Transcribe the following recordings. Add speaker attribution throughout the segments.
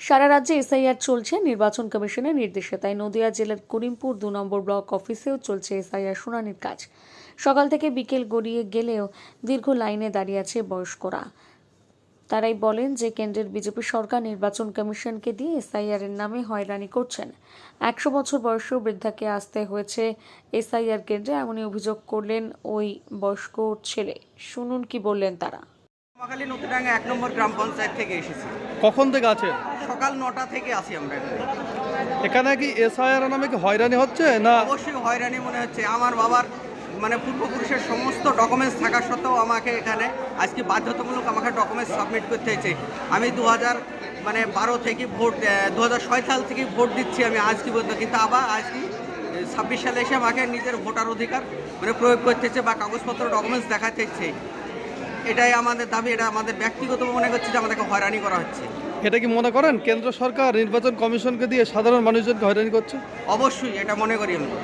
Speaker 1: সারা রাজ্যে এসআইআর চলছে নির্বাচন কমিশনের নির্দেশে। তাই নদিয়া জেলার করিমপুর ২ নম্বর ব্লক অফিসেও চলছে এসআইআর শুনানির কাজ। সকাল থেকে বিকেল গড়িয়ে গেলেও দীর্ঘ লাইনে দাঁড়িয়ে আছে বয়স্করা। তারাই বলেন যে কেন্দ্রের বিজেপি সরকার নির্বাচন কমিশনকে দিয়ে এসআইআর এর নামে হয়রানি করছেন। ১০০ বছর বয়সী বৃদ্ধাকে আসতে হয়েছে এসআইআর কেন্দ্রে, এমনই অভিযোগ করলেন ওই বয়স্ক ছেলে। শুনুন কি বললেন তারা।
Speaker 2: মহাখালী নতুনডাঙ্গা ১ নম্বর গ্রাম পঞ্চায়েত থেকে এসেছি।
Speaker 3: কখন থেকে আছে?
Speaker 2: সকাল ৯টা থেকে আসি আমরা
Speaker 3: এখানে কি এসআইআর নামে কি হয়রানি হচ্ছে না?
Speaker 2: অবশ্যই হয়রানি মনে হচ্ছে। আমার বাবার পূর্বপুরুষের সমস্ত ডকুমেন্টস থাকা সত্ত্বেও আমাকে এখানে আজকে বাধ্যতামূলক আমাকে ডকুমেন্টস সাবমিট করতে হয়েছে। আমি ২০১২ থেকে ভোট ২০০৬ সাল থেকে ভোট দিচ্ছি আমি আজকে পর্যন্ত, কিন্তু আবার আজকে ২৬ সালে এসে আমাকে নিজের ভোটার অধিকার প্রয়োগ করতে হচ্ছে বা কাগজপত্র ডকুমেন্টস দেখাতে হচ্ছে। এটাই আমাদের দাবি। এটা আমাদের ব্যক্তিগত মনে করছে যে আমাদেরকে হয়রানি করা হচ্ছে।
Speaker 3: এটা কি মনে করেন কেন্দ্র সরকার নির্বাচন কমিশনকে দিয়ে সাধারণ মানুষজনকে হয়রানি করছে?
Speaker 2: অবশ্যই এটা মনে করি আমি।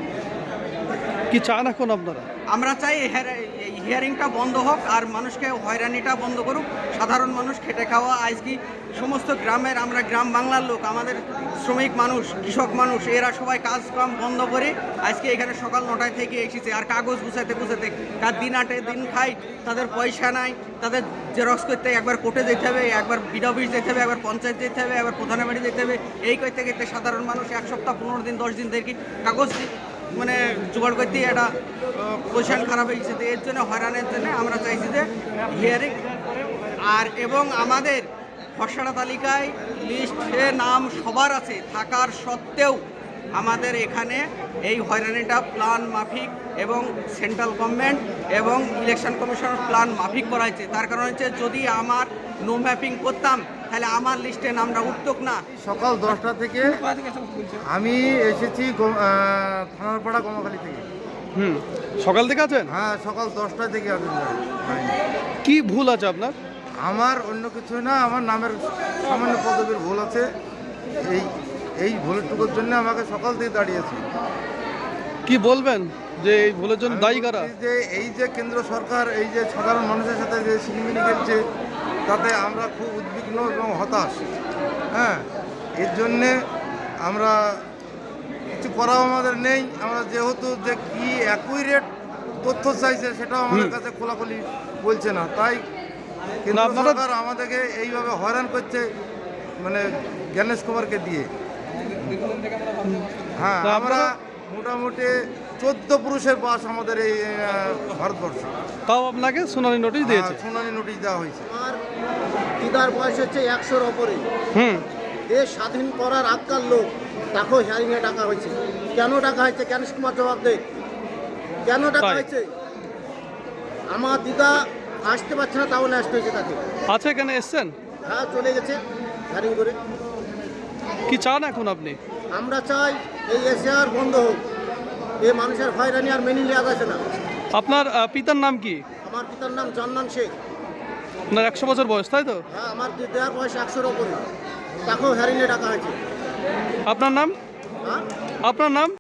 Speaker 3: কি চান এখন আপনারা?
Speaker 2: আমরা চাই হিয়ারিংটা বন্ধ হোক আর মানুষকে হয়রানিটা বন্ধ করুক। সাধারণ মানুষ খেটে খাওয়া আজকে সমস্ত গ্রামের, আমরা গ্রাম বাংলার লোক, আমাদের শ্রমিক মানুষ, কৃষক মানুষ, এরা সবাই কাজকাম বন্ধ করে আজকে এখানে সকাল ৯টায় থেকে এসেছে। আর কাগজ গুছাতে কার দিন আটে দিন খাই, তাদের পয়সা নাই, তাদের জেরক্স করতে একবার কোর্টে যেতে হবে, একবার বিডি অফিস যেতে হবে, একবার পঞ্চায়েত যেতে হবে, একবার প্রধানের বাড়ি যেতে হবে। এই করতে করতে সাধারণ মানুষ ১ সপ্তাহ ১৫ দিন ১০ দিন থেকে কাগজ জোগাড় করতে একটা পজিশন খারাপ হয়ে গেছে। এর জন্য হয়রানের জন্য আমরা চাইছি যে হিয়ারিং এবং আমাদের খসড়া তালিকায় লিস্টে নাম সবার আছে থাকার সত্ত্বেও আমাদের এখানে এই হয়রানিটা প্ল্যান মাফিক এবং সেন্ট্রাল গভর্নমেন্ট এবং ইলেকশন কমিশনের প্ল্যান মাফিক করা হয়েছে। তার কারণ হচ্ছে যদি আমার নো ম্যাপিং করতাম তাহলে আমার লিস্টে নামটা উঠতক না।
Speaker 4: সকাল 10টা থেকে আমি এসেছি থানারপাড়া কমাখালী থেকে।
Speaker 3: সকাল থেকে আছেন?
Speaker 4: হ্যাঁ, সকাল 10টা থেকে আমি।
Speaker 3: কি ভুল আছে আপনার?
Speaker 4: আমার অন্য কিছু না, আমার নামের সামান্য পদবীর ভুল আছে। এই ভুলটুকুর জন্য আমাকে সকাল থেকে দাঁড়িয়েছি।
Speaker 3: কি বলবেন যে এই ভুলের জন্য দায়ী কারা?
Speaker 4: এই যে কেন্দ্র সরকার এই যে সাধারণ মানুষের সাথে যে সিনেমিনি খেলছে, তাতে আমরা খুব উদ্বিগ্ন এবং হতাশ। হ্যাঁ, এর জন্যে আমরা কিছু করাও আমাদের নেই। আমরা যেহেতু যে কি অ্যাকুরেট তথ্য চাইছে সেটাও আমাদের কাছে খোলাখুলি বলছে না, তাই কেন্দ্র সরকার আমাদেরকে এইভাবে হয়রান করছে, জ্ঞানেশ কুমারকে দিয়ে। হ্যাঁ, আমরা মোটামুটি 14 পুরুষের বাস আমাদের এই ভারতবর্ষে।
Speaker 3: তাও আপনাকে শুনানি নোটিশ দিয়েছে?
Speaker 4: শুনানি নোটিশ দেওয়া হয়েছে।
Speaker 5: আমার দিদার বয়স হচ্ছে 100-র ওপরে। দেশ স্বাধীন করার আগকার লোক, তাকেও হিয়ারিংয়ে ডাকা হয়েছে। কেন ডাকা হয়েছে? জ্ঞানেশ কুমার জবাব দেয়। কেন ডাকা হয়েছে? আমার দিদা আসতে পারছে না, তাও আসতে হয়েছে তাকে।
Speaker 3: আছে এখানে এসছেন?
Speaker 5: হ্যাঁ, চলে গেছে হিয়ারিং করে।
Speaker 3: কি চান এখন আপনি?
Speaker 5: আমরা চাই এই এসআইআর বন্ধ হোক। এই মানুষের হয়রানি আর মেনে নেওয়া যাচ্ছে না।
Speaker 3: আপনার পিতার নাম কি?
Speaker 5: আমার পিতার নাম জান্নান শেখ।
Speaker 3: আপনার 100 বছর বয়স, তাই তো?
Speaker 5: হ্যাঁ, আমার দিদার বয়স 100-র ওপরে, তাকেও হিয়ারিংয়ে ডাকা হয়েছে।
Speaker 3: আপনার নাম?
Speaker 5: হ্যাঁ,
Speaker 3: আপনার নাম?